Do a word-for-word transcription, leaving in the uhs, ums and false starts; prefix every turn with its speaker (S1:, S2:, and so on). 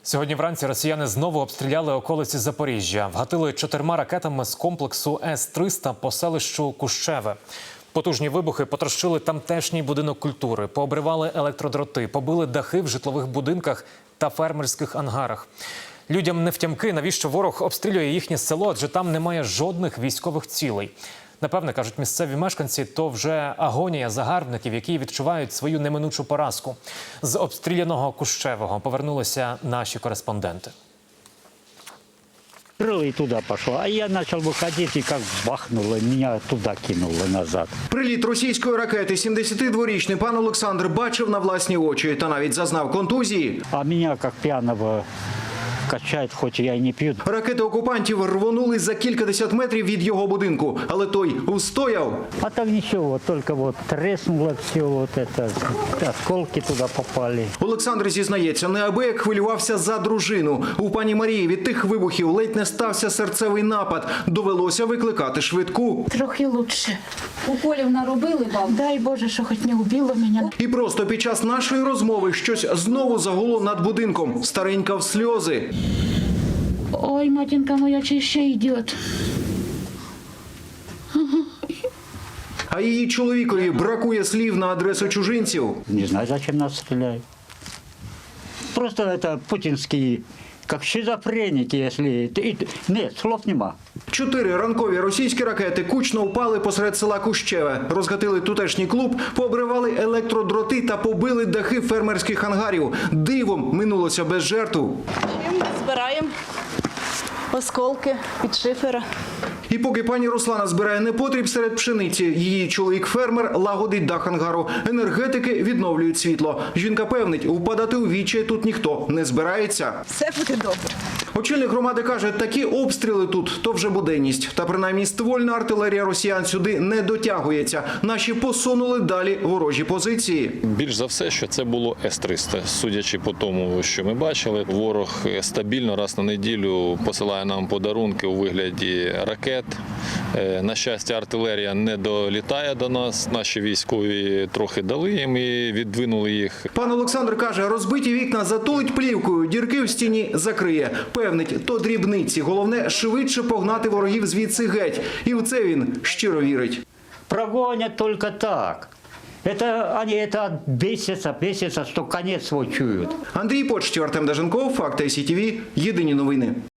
S1: Сьогодні вранці росіяни знову обстріляли околиці Запоріжжя. Вгатили чотирма ракетами з комплексу С триста по селищу Кущеве. Потужні вибухи потрощили тамтешній будинок культури, пообривали електродроти, побили дахи в житлових будинках та фермерських ангарах. Людям невтямки, навіщо ворог обстрілює їхнє село, адже там немає жодних військових цілей. Напевне, кажуть місцеві мешканці, то вже агонія загарбників, які відчувають свою неминучу поразку. З обстріляного Кущевого повернулися наші кореспонденти.
S2: И туда пошло, а я начал выходить, и как бахнуло, меня туда кинуло назад.
S3: Приліт російської ракети сімдесятидворічний пан Олександр бачив на власні очі та навіть зазнав контузії.
S2: А меня как пьяного качает, хоть я и не пью.
S3: Ракети окупантів рвонули за кількадесят метрів від його будинку, але той устояв.
S2: А так ничего, только вот треснуло все, вот это, осколки туда попали.
S3: Олександр зізнається, неабияк хвилювався за дружину. У пані Марії від тих вибухів ледь не стався серцевий напад. Довелося викликати швидку.
S4: Трохи лучше.
S5: Уколів наробили, бабу?
S4: Дай Боже, що хоч не вбило мене.
S3: І просто під час нашої розмови щось знову загуло над будинком. Старенька в сльози.
S4: Ой, матінка моя, чи ще йде?
S3: А її чоловікові бракує слів на адресу чужинців.
S2: Не знаю, зачем нас стреляют. Просто это путинские, как шизофреники, если... и- Нет, слов нема.
S3: Чотири ранкові російські ракети кучно впали посеред села Кущеве, розгатили тутешній клуб, пообривали електродроти та побили дахи фермерських ангарів. Дивом минулося без жертв.
S5: Збираємо осколки від шифера.
S3: І поки пані Руслана збирає непотріб серед пшениці, її чоловік-фермер лагодить дах ангару. Енергетики відновлюють світло. Жінка певнить, впадати у вічі тут ніхто не збирається.
S5: Все буде добре.
S3: Очільник громади каже, такі обстріли тут – то вже буденність. Та принаймні ствольна артилерія росіян сюди не дотягується. Наші посунули далі ворожі позиції.
S6: Більш за все, що це було С триста. Судячи по тому, що ми бачили, ворог стабільно раз на неділю посилає нам подарунки у вигляді ракет. На щастя, артилерія не долітає до нас. Наші військові трохи дали їм і віддвинули їх.
S3: Пан Олександр каже, розбиті вікна затулить плівкою, дірки в стіні закриє. Певнить, то дрібниці. Головне – швидше погнати ворогів звідси геть. І в це він щиро вірить.
S2: Прогонят только так. Это они это бесятся, бесятся, что конец свой чуют.
S3: Андрій Почтів, Артем Даженков, Факти ай сі ті ві, єдині новини.